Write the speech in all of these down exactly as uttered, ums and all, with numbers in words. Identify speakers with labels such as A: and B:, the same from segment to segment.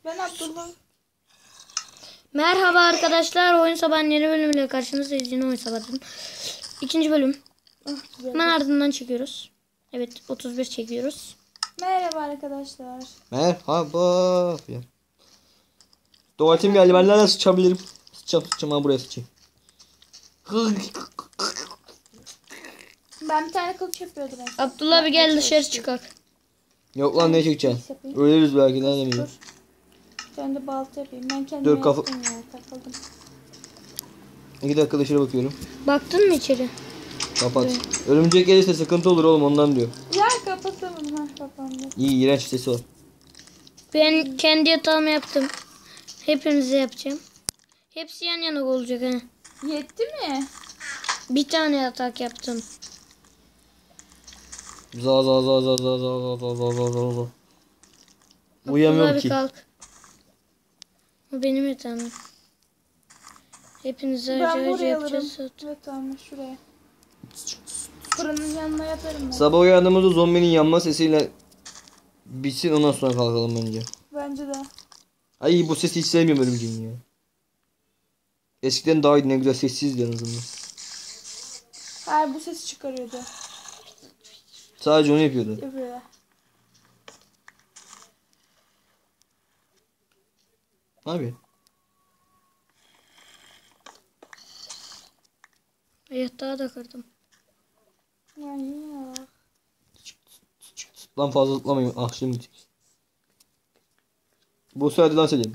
A: Ben Abdullah.
B: Merhaba arkadaşlar. Oyun Sabah'ın yeni bölümüyle karşınızdayız. Yeni Oyun Sabah'ın ikinci bölüm.
A: Ah,
B: Hemen ardından çekiyoruz. Evet, otuz bir çekiyoruz.
A: Merhaba arkadaşlar.
C: Merhaba. Tuvaletim geldi. Ben nereden sıçabilirim? Sıçacağım sıçacağım. Ha buraya sıçayım.
A: Ben bir tane kılıç yapıyordum. En
B: Abdullah bir gel dışarı çıkak.
C: Yok lan ne çekeceksin? Ölürüz belki. Nereden
A: Dur.
C: biliyorum?
A: Bir tane de balta yapayım. Ben kendime
C: Dur, kafa-
A: yaptım ya. Takıldım.
C: İki dakika dışarı bakıyorum.
B: Baktın mı içeri?
C: Kapat. Örümcek gelirse sıkıntı olur oğlum ondan diyor.
A: Ya kapatamadım. Ha kapandı.
C: İyi iğrenç sesi var.
B: Ben kendi yatağımı yaptım. Hepinize yapacağım. Hepsi yan yana olacak ha.
A: Yetti mi?
B: Bir tane yatak yaptım.
C: Za za za za za za za za za za za.
B: Abdullah
C: Uyuyamıyorum
B: bir
C: ki.
B: kalk. O benim yatağım. Hepinize
A: Ben
B: acı acı
A: buraya alırım.
B: yapacağız.
A: Evet tamam şuraya. Fırının yanına yatarım ben.
C: Sabah uyandığımızda zombinin yanma sesiyle bitsin ondan sonra kalkalım bence.
A: Bence de.
C: Ay bu sesi hiç sevmiyorum örümceğin ya. Eskiden daha iyiydi, ne güzel sessizdi en azından.
A: Hayır bu sesi çıkarıyordu.
C: Sadece onu yapıyordu.
A: Öbürü.
C: Abi.
B: Yatağı da kırdım.
A: Yani ya.
C: Lan fazla zıplamayın. Ah şimdi. Bu sırada dans edelim.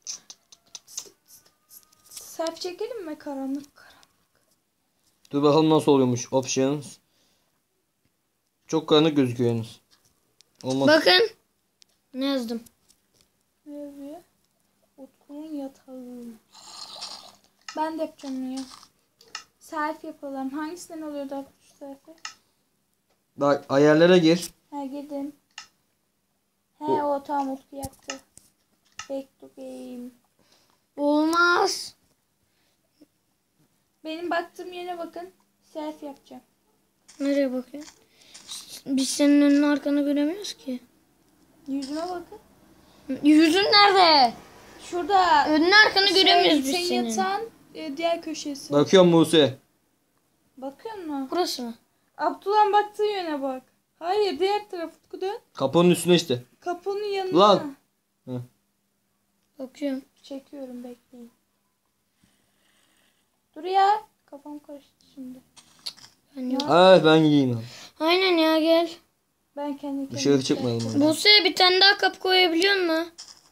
A: Selfie çekelim mi karanlık?
C: Dur bakalım nasıl oluyormuş. Options. Çok karanlık gözüküyor yalnız. Olmaz.
B: Bakın. Ne yazdım?
A: Ne yazıyor? Utku'nun yatağı. Ben de yapacağım ya. Selfie yapalım. Hangisinden oluyordu abi şu selfie?
C: Bak ayarlara gir.
A: Ha girdim. He
C: O-
A: o tamam Utku yaptı. Back to game.
B: Olmaz.
A: Benim baktığım yere bakın. Selfie yapacağım.
B: Nereye bakıyorsun? Biz senin önünü arkanı göremiyoruz ki.
A: Yüzüme bakın.
B: Yüzün nerede?
A: Şurada.
B: Önünü arkanı göremiyoruz biz
A: senin
B: senin.
A: yatağın e, diğer köşesi.
C: Bakıyorum Buse.
A: Bakıyor musun?
B: Burası mı?
A: Abdullah'ın baktığı yöne bak. Hayır diğer taraf Utku dön.
C: Kapının üstüne işte.
A: Kapının yanına.
C: Lan.
B: Bakıyorum.
A: Çekiyorum bekleyin. Dur ya. Kafam karıştı şimdi.
B: Ben yok.
C: Evet ben gideyim.
B: Aynen ya gel.
A: Ben kendi kendime.
C: Dışarı çıkmayalım. hadi.
B: Buse bir tane daha kapı koyabiliyor musun?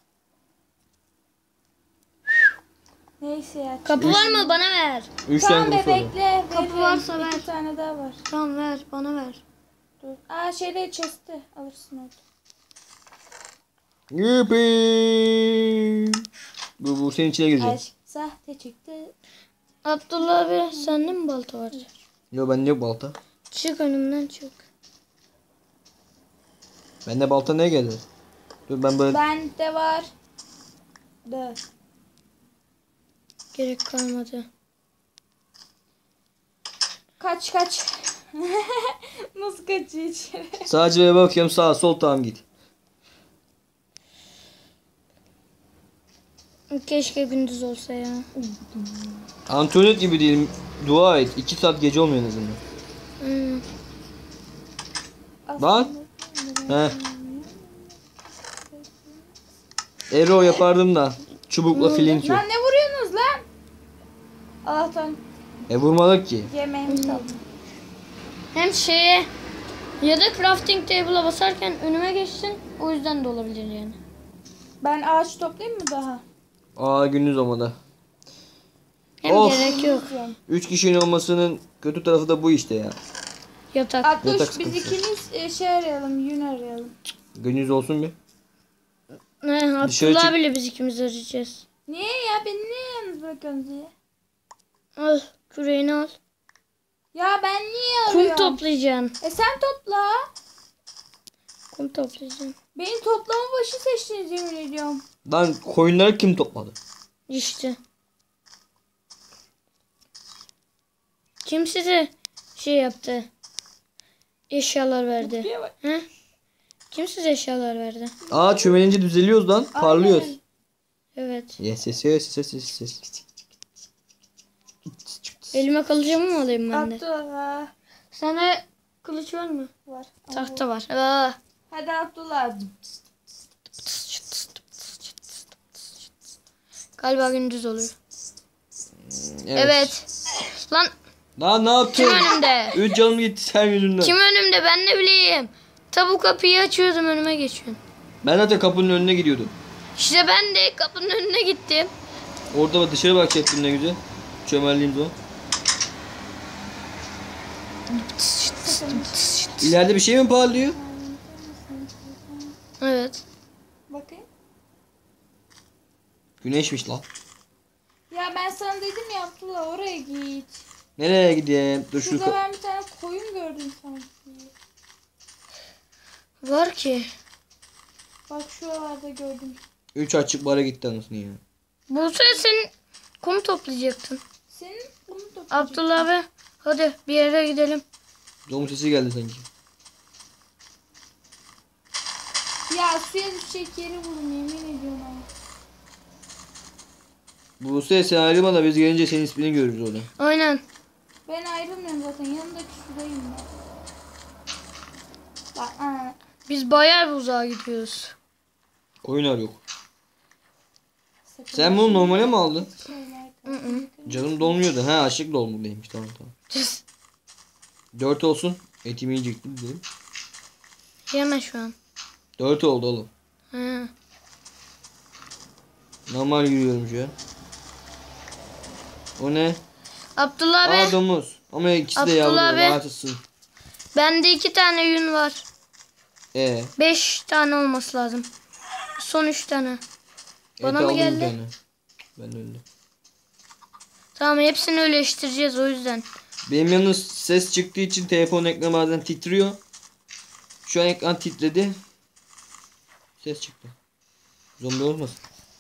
A: Neyse ya.
B: Kapı var mı? Bana ver.
C: Üç
A: Tamam
C: tane
A: be
C: kapı var.
A: bekle.
B: Kapı
A: veririm.
B: varsa
A: İki
B: ver.
A: tane daha var.
B: Tamam ver. Bana ver.
A: Dur. Aa şeyde chest'i alırsın orada.
C: Yippee. Bu, bu senin içine girecek.
A: Aşk sahte çıktı.
B: Abdullah abi sende mi balta var?
C: Yok bende yok balta.
B: Çık önümden çık.
C: Bende balta ne geldi? Dur ben böyle.
A: Bende var. De.
B: Gerek kalmadı.
A: Kaç kaç. Nasıl kaçıyor içeri?
C: Sadece böyle bakıyorum sağa sol tamam git.
B: Keşke gündüz olsa ya.
C: Antonet gibi değilim. Dua et. iki saat gece olmuyor en azından.
B: Hmm.
C: Bak. He. Ero yapardım da. Çubukla flint yok.
A: Lan ne vuruyorsunuz lan? Allah'tan
C: E vurmadık ki.
A: yemeğimi kaldı.
B: Hem şeye ya da crafting table'a basarken önüme geçsin. O yüzden de olabilir yani.
A: Ben ağaç toplayayım mı daha?
C: Aa gündüz olmadı.
B: Hem
C: Of.
B: gerek yok.
C: Üç kişinin olmasının kötü tarafı da bu işte ya.
B: Yatak.
C: Yatak
A: Atmış biz
C: sıkıntısı.
A: ikimiz e, şey arayalım, yün arayalım.
C: Gündüz olsun bir.
B: Ne,
C: Dışarı
B: Abdullah
C: çık-
B: bile biz ikimiz arayacağız.
A: Niye ya? Beni niye yalnız bırakıyorsunuz diye?
B: Al küreğini al.
A: Ya ben niye
B: Kum
A: arıyorum?
B: toplayacaksın.
A: E sen topla.
B: Kum toplayacaksın.
A: Beni toplama başı seçtiniz yemin ediyorum.
C: Lan koyunları kim topladı?
B: İşte. Kim size şey yaptı? Eşyalar verdi.
A: Diye bak.
B: He? Kim size eşyalar verdi?
C: Aa çömelince düzeliyoruz lan. Parlıyoruz.
A: Aynen.
B: Evet.
C: Yes yes yes yes yes yes.
B: Elime kılıcımı mı alayım ben de?
A: Abdullah.
B: Sana kılıç var mı?
A: Var.
B: Tahta var. Aa.
A: Hadi Abdullah.
B: Galiba gündüz oluyor.
C: Evet.
B: Evet. Lan
C: Lan ne yaptın?
B: kim önümde?
C: Üç canım gitti sen yüzünden.
B: Kim önümde ben ne bileyim. Tabu kapıyı açıyordum önüme geçiyorsun.
C: Ben zaten kapının önüne gidiyordum.
B: İşte ben de kapının önüne gittim.
C: Orada bak dışarı bakacaktım ne güzel. Çömeldiğim zaman. İleride bir şey mi parlıyor?
B: Evet.
A: Bakayım.
C: Güneşmiş lan.
A: Ya ben sana dedim ya Abdullah oraya git.
C: Nereye gideyim? Dur şu
A: Şurada
C: ka-
A: ben bir tane koyun gördüm sanki.
B: Var ki.
A: Bak şuralarda gördüm.
C: Üç açık bara gitti anasını ya.
B: Bu sefer sen kum toplayacaktın.
A: Senin bunu da
B: Abdullah abi hadi bir yere gidelim.
C: Domuz sesi geldi sanki.
A: Ya suya düşecek yeri bulun yemin ediyorum ama.
C: Bu ses sen ayrılma da biz gelince senin ismini görürüz orada.
B: Aynen.
A: Ben ayrılmıyorum zaten yanındaki sudayım ben. Bak aa.
B: Biz bayağı bir uzağa gidiyoruz.
C: Oyun yok.
A: Sakın
C: Sen bunu normale mi aldın?
A: şeyler
B: Hı hı.
C: Canım dolmuyordu. Ha açlık dolmuş tamam tamam. Dört olsun. Etimi yiyecektim dedim.
B: Yeme şu an.
C: Dört oldu oğlum.
B: Ha.
C: Normal yürüyorum şu an. O ne?
B: Abdullah abi
C: Aa domuz. Ama ikisi de yavru.
B: Abdullah abi.
C: Rahatsızsın.
B: bende iki tane yün var.
C: Ee,
B: Beş tane olması lazım. Son üç tane. Bana
C: ete
B: mı
C: aldım bir
B: geldi?
C: tane. Ben öldüm.
B: Tamam hepsini öleştireceğiz o yüzden.
C: Benim yalnız ses çıktığı için telefon ekranı bazen titriyor. Şu an ekran titredi. Ses çıktı. Zombi olmasın.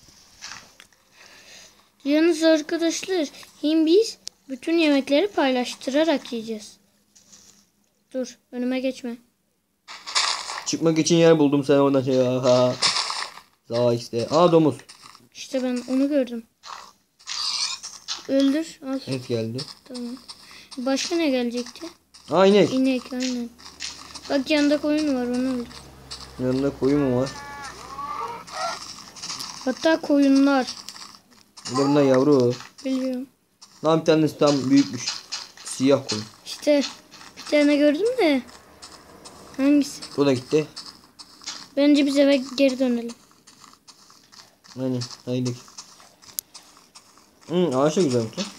B: Yalnız arkadaşlar hem biz bütün yemekleri paylaştırarak yiyeceğiz. Dur önüme geçme.
C: Çıkmak için yer buldum sen oradan şey. Aha. Daha işte. Aa domuz.
B: İşte ben onu gördüm. Öldür al.
C: Et geldi.
B: Tamam. Başka ne gelecekti?
C: Aa inek.
B: İnek aynen. Bak yanında koyun var onu öldür.
C: Yanında koyun mu var?
B: Hatta koyunlar.
C: Bir de bunlar yavru.
B: Biliyorum.
C: Lan bir tanesi tam büyükmüş. Siyah koyun.
B: İşte bir tane gördüm de. Hangisi?
C: O da gitti.
B: Bence biz eve geri dönelim.
C: Aynen. Haydi. Hı, ağaç da güzelmiş lan.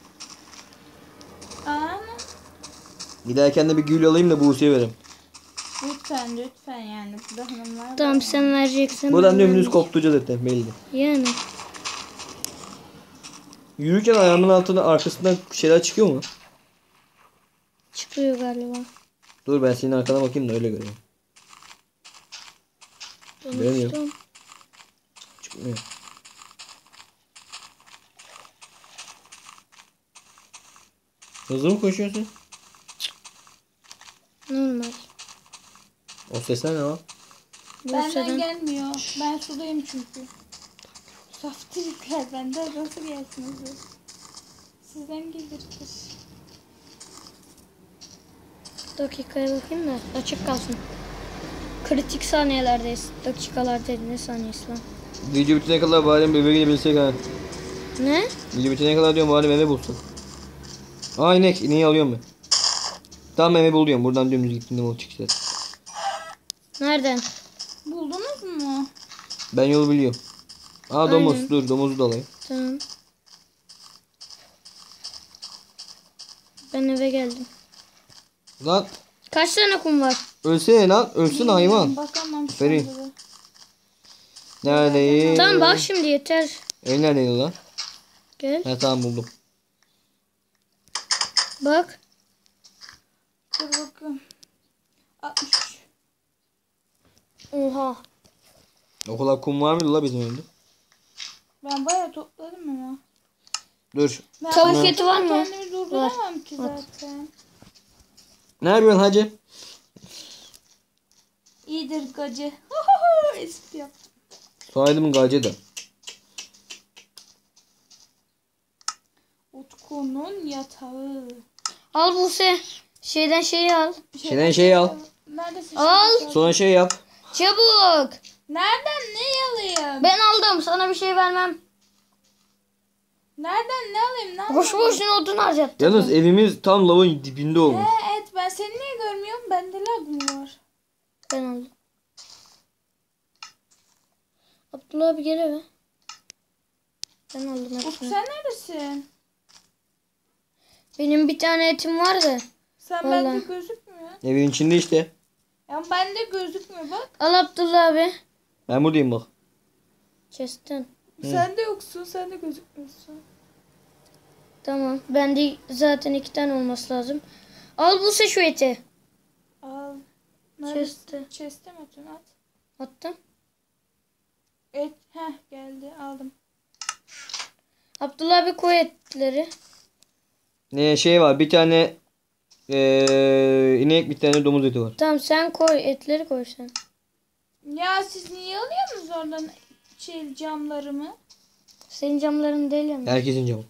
A: Ana.
C: Giderken de bir gül alayım da Buse'ye vereyim.
A: Lütfen lütfen yani burada hanımlar var.
B: Tamam sen vereceksin.
C: Buradan
B: ben
C: dümdüz
B: vermeyeceğim.
C: koptuca zaten belli.
B: Yani.
C: Yürürken ayağımın altına arkasından şeyler çıkıyor mu?
B: Çıkıyor galiba.
C: Dur ben senin arkana bakayım da öyle göreyim. Göremiyorum.
B: Konuştum.
C: Çıkmıyor. Hızlı mı koşuyorsun?
B: Normal.
C: O sesler ne lan?
A: Benden
B: Bursa'dan.
A: gelmiyor. Ben sudayım çünkü. Saftirikler benden nasıl gelsin hızlı? Sizden gelirdir.
B: Dakikaya bakayım da açık kalsın. Kritik saniyelerdeyiz. Dakikalar değil ne saniyesi lan?
C: Video bitene kadar bari bebeğe gidebilsek ha.
B: Ne?
C: Video bitene kadar diyorum bari meme bulsun. Aa inek. İneği alıyorum ben. Tamam meme buluyorum. Buradan dümdüz gittiğinde o çıkacak.
B: Nereden?
A: Buldunuz mu?
C: Ben yolu biliyorum. Aa domuz.
B: Aynen.
C: Dur domuzu da alayım.
B: Tamam. Ben eve geldim.
C: Lan
B: Kaç tane kum var?
C: ölsene lan. Ölsün hayvan.
A: Bakamam.
C: Aferin.
A: sanırım.
C: Neredeyim?
B: Tamam bak şimdi yeter.
C: El neredeydi lan?
B: Gel.
C: Ha tamam buldum.
B: Bak.
A: Dur bakayım. altmış.
B: Oha.
C: O kadar kum var mıydı la bizim evde?
A: Ben bayağı topladım ama.
C: Dur.
A: Ben
B: Tavuk
A: başka
B: eti var mı?
A: Kendimi durduramam ki
B: Var.
A: zaten.
C: Ne yapıyorsun hacı?
A: İyidir gacı. Espri yap.
C: Soyadım Gacı da.
B: Buse şeyden şeyi al.
C: Şeyden şey al.
A: Neredesin?
B: Al.
A: Şimdi?
C: Sonra şey yap.
B: Çabuk.
A: Nereden ne alayım?
B: Ben aldım. Sana bir şey vermem.
A: Nereden ne alayım? Ne
B: Boş
A: alayım?
B: boşuna odun harcattım.
C: Yalnız evimiz tam lavın dibinde olmuş.
A: He, evet ben seni niye görmüyorum? Bende lag mı var?
B: Ben aldım. Abdullah abi gel eve. Ben aldım
A: Ufuk
B: hepsini.
A: sen neredesin?
B: Benim bir tane etim vardı.
A: Sen
B: Vallahi.
A: bende gözükmüyor.
C: Evin içinde işte.
A: Ya bende gözükmüyor bak.
B: Al Abdullah abi.
C: Ben buradayım bak.
B: Chest'ten.
A: Sen de yoksun. Sen de gözükmüyorsun.
B: Tamam. Bende zaten iki tane olması lazım. Al Buse şu eti.
A: Al.
B: Chest'te.
A: Neredesin? Chest'e mi atıyorsun? At.
B: Attım.
A: Et. Heh geldi. Aldım.
B: Abdullah abi koy etleri.
C: Ne şey var bir tane ee, inek bir tane domuz eti var.
B: Tamam sen koy. Etleri koy sen.
A: Ya siz niye alıyorsunuz oradan şey camlarımı?
B: Senin camların değil ya.
C: Herkesin camı.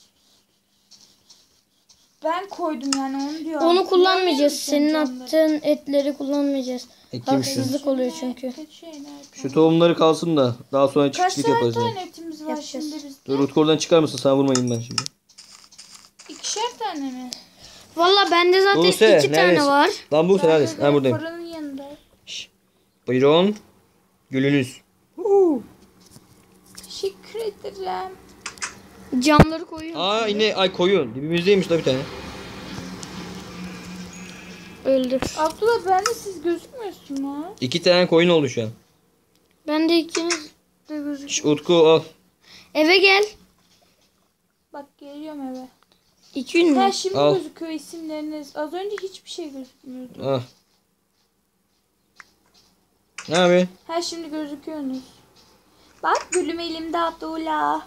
A: Ben koydum yani onu diyorum.
B: Onu kullanmayacağız.
A: Niye
B: Senin
A: alıyorsun camları?
B: attığın etleri kullanmayacağız.
C: Ekeyim şu.
B: Haksızlık oluyor çünkü.
A: Kötü şeyler.
C: Şu tohumları kalsın da daha sonra
A: Kaç
C: çiftlik
A: tane
C: yaparız. yani.
A: tane etimiz var
B: Yapacağız.
A: şimdi bizde?
C: Dur Utku oradan çıkar mısın? Sana vurmayayım ben şimdi.
A: İkişer tane mi?
B: Valla bende zaten
C: Buse,
B: iki
C: neredesin?
B: tane var.
C: Lan bu sen
A: Bende
C: neredesin?
A: de
C: Ha buradayım.
A: Fırının yanında.
C: Şş. Buyurun. Gülünüz.
A: Teşekkür ederim.
B: Camları koyuyorum.
C: Aa yine ay koyun. Dibimizdeymiş la bir tane.
B: Öldür.
A: Abdullah bende siz gözükmüyorsunuz.
C: İki tane koyun oldu şu an.
B: Ben de ikiniz de gözük.
C: Şş, Utku al.
B: Eve gel.
A: Bak geliyorum eve.
B: İki gün
A: Ha
B: mü?
A: şimdi
C: Al.
A: gözüküyor isimleriniz. Az önce hiçbir şey gözükmüyordu.
C: Al. Ne yapıyorsun?
A: Ha şimdi gözüküyorsunuz. Bak gülüm elimde Abdullah.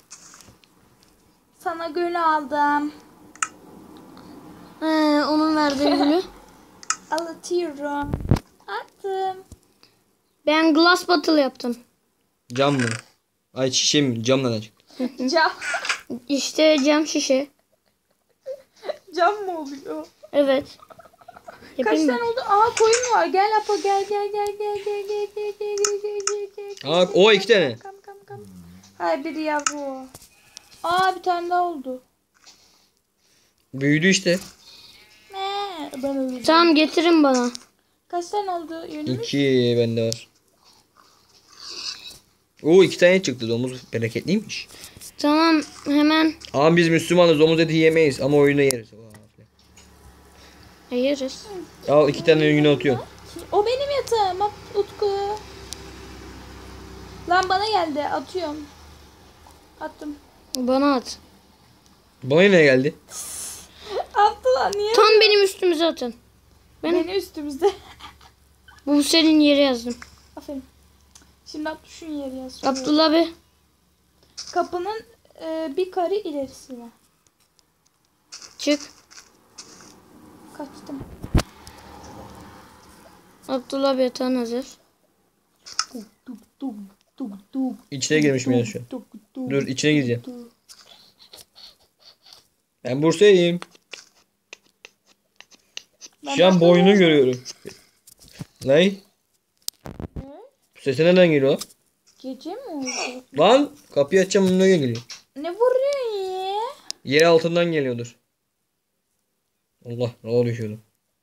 A: Sana gül aldım.
B: He, onun verdiği gülü.
A: Alıtıyorum. Attım.
B: Ben glass bottle yaptım.
C: Cam mı? Ay şişe mi? Cam nereden çıktı?
A: Cam.
B: İşte cam şişe.
A: Cam mı oluyor?
B: Evet.
A: Kaç
B: Yapayım mı?
A: tane oldu? Aa koyun var. Gel Apo gel gel gel gel gel gel gel gel gel gel gel gel.
C: Aa o iki tane.
A: Kam kam kam. Hayır biri yavru. Aa bir tane daha oldu.
C: Büyüdü işte.
A: Ne? Ben öldüm.
B: Tamam getirin bana.
A: Kaç tane oldu yönümüz?
C: İki bende var. Oo iki tane çıktı. Domuz bereketliymiş.
B: Tamam hemen
C: Ama biz Müslümanız domuz eti yemeyiz ama oyunda yeriz.
B: ayırırız.
C: Al iki tane yine atıyorum.
A: O benim yatağım. Bak, Utku. Lan bana geldi. Atıyorum. Attım.
B: Bana at.
C: Bana ne geldi?
A: Abdullah niye?
B: Tam benim üstümüze atın. Ben
A: Beni üstümüzde.
B: bu senin yeri yazdım.
A: Aferin. Şimdi at düşün yeri yaz.
B: Abdullah abi.
A: Kapının e, bir kare ilerisine.
B: Çık.
A: Kaçtım.
B: Abdullah abi yatağın hazır.
A: Duk duk duk duk.
C: İçine girmiş biraz şu an.
A: Duk duk.
C: Dur içine gireceğim.
A: Duk.
C: Ben Bursa'yım.
A: Ben
C: Şu an
A: Bursa'yım.
C: boynunu görüyorum. Ne?
A: Ne?
C: Sesi nereden geliyor?
A: Gece mi oldu?
C: Lan kapıyı açacağım ne geliyor?
A: Ne vuruyorsun ya?
C: Yer altından geliyordur. Allah ne düşüyordu.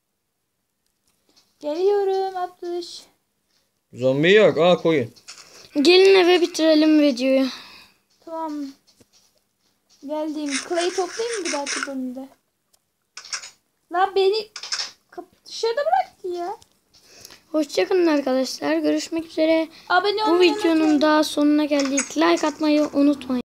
A: Geliyorum Abdüş.
C: Zombi yok. Aa koyun.
B: Gelin eve bitirelim videoyu.
A: Tamam. Geldim. Clay toplayayım mı bir dahaki bölümde? Lan beni kapı dışarıda bıraktı ya.
B: Hoşçakalın arkadaşlar. Görüşmek üzere.
A: Abone
B: Bu
A: olmayı
B: videonun
A: unutmayın.
B: daha sonuna geldik. Like atmayı unutmayın.